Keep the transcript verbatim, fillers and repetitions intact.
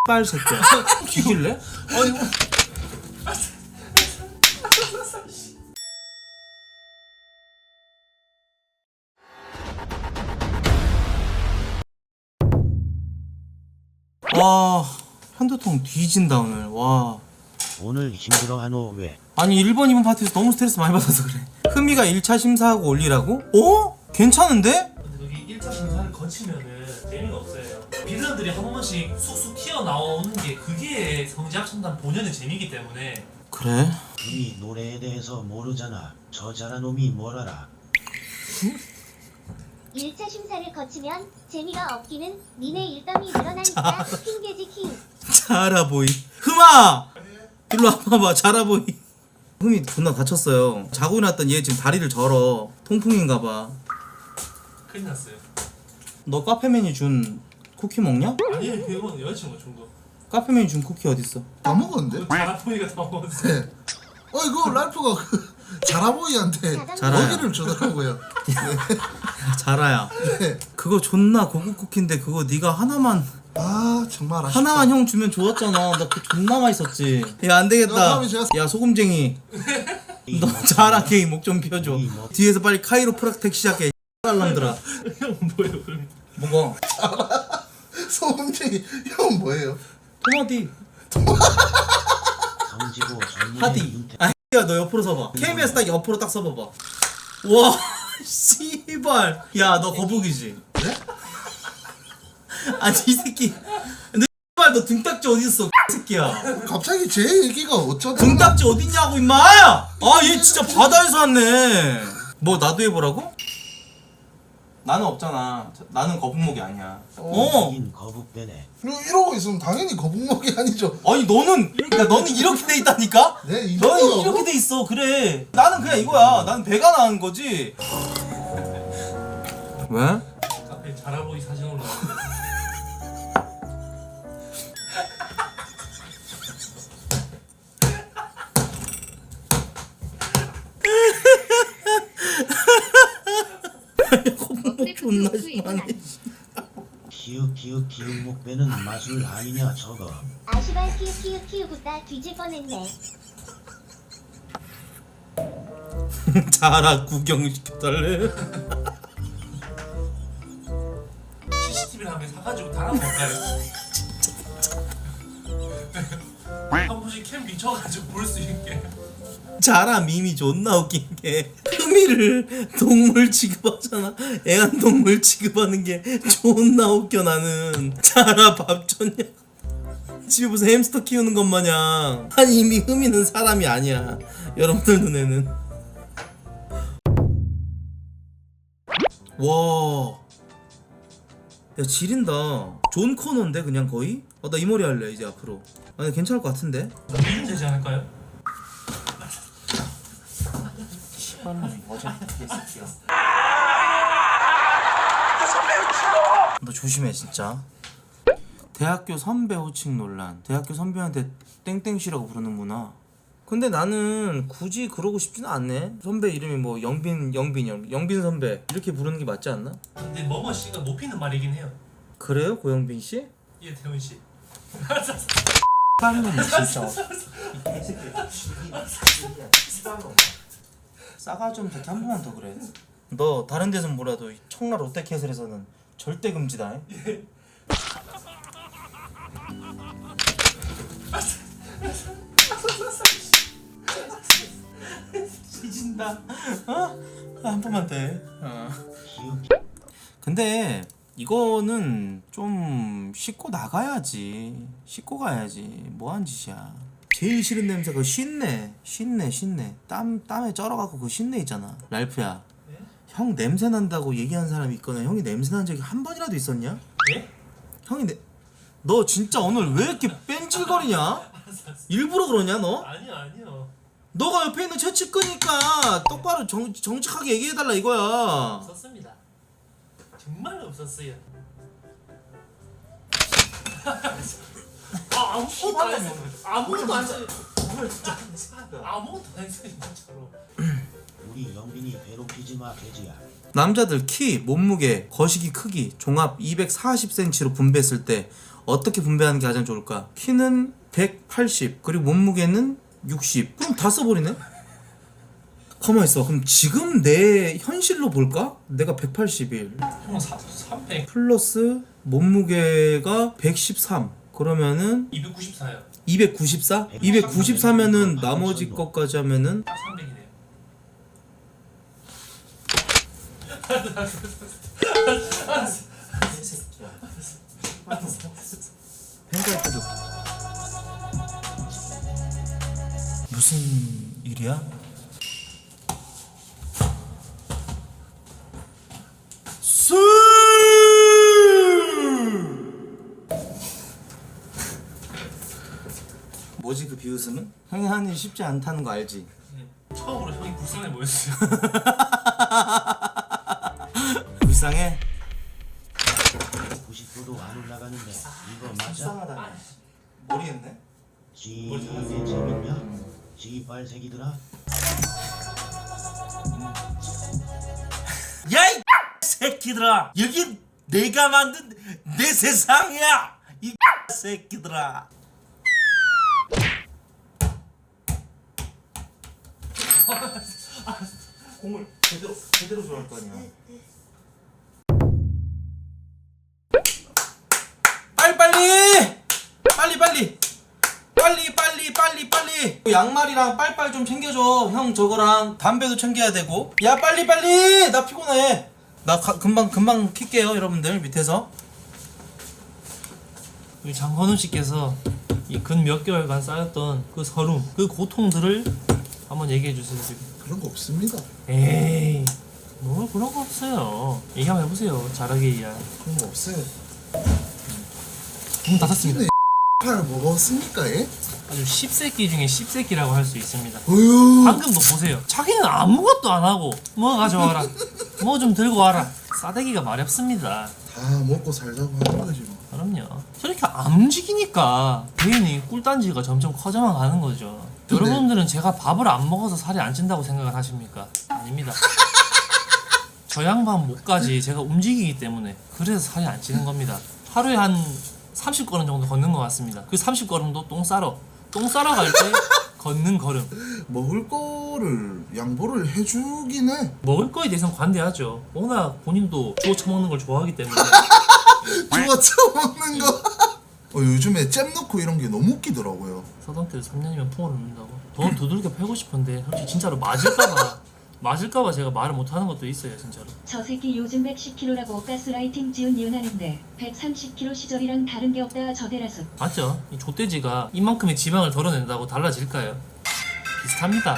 빨 새끼야. 뒤질래? 아니. 와, 편두통 뒤진다 오늘. 와. 오늘 힘들어하노 왜? 아니 일 번 이 번 파티에서 너무 스트레스 많이 받아서 그래. 흠이가 일 차 심사하고 올리라고? 어? 괜찮은데? 근데 거기 일 차 심사를 거치면은 재미가 없어요. 빌런들이 한 번씩 쑥쑥 튀어나오는 게 그게 성지합창단 본연의 재미이기 때문에. 그래? 우리 노래에 대해서 모르잖아. 저 잘한 놈이 뭘 알아? 일 차 심사를 거치면 재미가 없기는 니네 일감이 늘어나니까 핑계지 킹. 자라보이. 흠아! 일로 와봐봐. 자라보이. 흠이 존나 다쳤어요. 자고 일어났던 얘 지금 다리를 절어. 통풍인가봐. 큰일 났어요. 너 카페맨이 준 쿠키 먹냐? 아니 그건 여자친구가 준 거. 카페맨이 준 쿠키 어딨어? 다 먹었는데? 자라보이가 다 먹었어. 네. 어 이거 랄프가 그 자라보이한테 자라야. 먹이를 주더라고요. 자라야. 네. 그거 존나 고급 쿠키인데 그거 네가 하나만 아 정말 아쉽다. 하나만 형 주면 좋았잖아. 나 그거 존나 맛있었지. 야 안 야, 되겠다. 다음에 제가- 야 소금쟁이. 너 자라 게임 목 좀 피워줘. 뒤에서 빨리 카이로프락텍 시작해. 놈들아. 형 뭐예요 그럼? 뭐가? 소금쟁이 형 뭐예요? 토마디. 성지고 전문의 하디. 윤태 아 야 너 옆으로 서봐. 케이비에스 딱 옆으로 딱 서봐봐. 와 씨발. 야 너 거북이지? 네? 아니 이 새끼. 너 씨발 너 등딱지 어디 있어? 새끼야. 갑자기 제 얘기가 어쩌다 등딱지 어딨냐고 임마! 아 얘 진짜 바다에서 왔네. 뭐 나도 해보라고? 나는 없잖아. 저- 나는 거북목이 아니야. 어. 인 거북배네. 이러- 이러고 있으면 당연히 거북목이 아니죠. 아니 너는 그러니까 너는 이렇게 돼 있다니까? 네 너는 이거요. 이렇게 돼 있어. 그래. 나는 그냥 이거야. 나는 배가 나은 거지. 왜? 카페 자라보이 사진 올라. 거북목 존나 심하네. 키읔 키읔 키읔 목배는 마술 아니냐 저거. 아시발 키읔 키읔 키읔웃다 뒤질 뻔했네. 자라 구경시켜달래. 씨씨티비를 한개 사가지고 달아볼까요? 한 번씩 캠 비춰가지고 볼 수 있게. 자라 밈이 존나 웃긴 게 흠이를 동물 취급하잖아. 애완동물 취급하는 게 존나 웃겨. 나는 자라 밥 줬냐? 집에 무슨 햄스터 키우는 것 마냥. 아니 이미 흠이는 사람이 아니야 여러분들 눈에는. 와, 야 지린다. 존 코너인데 그냥 거의? 아, 나 이 머리 할래 이제 앞으로. 아니 괜찮을 것 같은데? 미는 되지 않을까요? 너 조심해 진짜. 대학교 선배 호칭 논란. 대학교 선배한테 땡땡씨라고 부르는구나. 근데 나는 굳이 그러고 싶지는 않네. 선배 이름이 뭐 영빈 영빈 영 영빈 선배 이렇게 부르는 게 맞지 않나? 근데 머머 씨가 높이는 말이긴 해요. 그래요 고영빈 씨? 예 태훈 씨. 빠르면 진짜. 싸가 좀 저렇게 한 번만 더 그래. 너 다른 데선 몰라도 이 청라 롯데캐슬에서는 절대 금지다. 뒤진다. 어? 한 번만 더 해. 어. 키읔 근데 이거는 좀 씻고 나가야지. 씻고 가야지. 뭐한 짓이야. 제일 싫은 냄새가 쉰내. 쉰내 쉰내. 땀 땀에 쩔어갖고 그 쉰내 있잖아. 랄프야. 네? 형 냄새 난다고 얘기한 사람이 있거나 형이 냄새 난 적이 한 번이라도 있었냐? 예? 형이 내... 너 진짜 오늘 왜 이렇게 뺀질거리냐? 일부러 그러냐 너? 아니요 아니요. 너가 옆에 있는 채찍 끄니까 똑바로 정, 정직하게 얘기해달라 이거야. 없었습니다. 정말 없었어요. 아 아무것도 안 했어요. 아무것도 안 했어요. 아무것도 안 했어요 진짜로. 우리 영빈이 괴롭히지 마 돼지야. 남자들 키, 몸무게, 거시기 크기, 종합 이백사십 센티미터로 분배했을 때 어떻게 분배하는 게 가장 좋을까? 키는 백팔십, 그리고 몸무게는 육십. 그럼 다 써버리네? 가만 있어. 그럼 지금 내 현실로 볼까? 내가 백팔십일 형 삼백 플러스 몸무게가 백십삼. 그러면은 이백구십사요. 이백구십사? 이백구십사면은 나머지 것까지 하면은 딱 삼백이네요. 펜타이트도 무슨 일이야? 술! 뭐지 그 비웃음은? 형이 하는 일 쉽지 않다는 거 알지? 처음으로 형이 불쌍해 보였어요. 불쌍해? 구십 도도 안 올라가는데 이거 맞아? 불쌍하다네. 모르겠네. 지게 재밌냐? 지빨새기들아. 야 이 새끼들아! 여기 내가 만든 내 세상이야! 이 새끼들아! 공을 제대로 제대로 좋아할 거 아니야. 빨리 빨리 빨리 빨리 빨리 빨리 빨리 빨리 양말이랑 빨빨 좀 챙겨줘. 형 저거랑 담배도 챙겨야 되고. 야 빨리 빨리 나 피곤해. 나 가, 금방 금방 킬게요 여러분들. 밑에서 우리 장건우 씨께서 이 근 몇 개월간 쌓였던 그 서름, 그 고통들을 한번 얘기해 주세요. 지금. 그런 거 없습니다. 에이, 뭐 그런 거 없어요. 얘기 한번 해보세요. 잘하게 이야. 그런 거 없어요. 문 닫았습니다. 팔 먹었습니까 예? 아주 씹새끼 중에 씹새끼라고 할 수 있습니다. 어휴. 방금도 보세요. 자기는 아무것도 안 하고 뭐 가져와라, 뭐 좀 들고 와라. 싸대기가 말이 없습니다. 다 먹고 살자고 하는 거지 뭐. 그럼요. 저렇게 안 움직이니까 개인이 꿀단지가 점점 커져만 가는 거죠. 근데- 여러분들은 제가 밥을 안 먹어서 살이 안 찐다고 생각을 하십니까? 아닙니다. 저 양반 목까지 제가 움직이기 때문에 그래서 살이 안 찌는 겁니다. 하루에 한 삼십 걸음 정도 걷는 것 같습니다. 그 삼십 걸음도 똥 싸러 똥 싸러 갈 때 걷는 걸음. 먹을 거를 양보를 해주긴 해. 먹을 거에 대해서는 관대하죠. 워낙 본인도 주워 처먹는 걸 좋아하기 때문에. 주워 처먹는 거. 어, 요즘에 잼 넣고 이런 게 너무 웃기더라고요. 서당태도 삼 년이면 풍을 넣는다고. 더 두들겨 패고 싶은데 솔직히 진짜로 맞을까봐 맞을까봐 제가 말을 못하는 것도 있어요 진짜로. 저 새끼 요즘 백십 킬로라고 가스라이팅 지은 이은하는데 백삼십 킬로 시절이랑 다른 게 없다 저대라서. 맞죠? 이 족돼지가 이만큼의 지방을 덜어낸다고 달라질까요? 비슷합니다.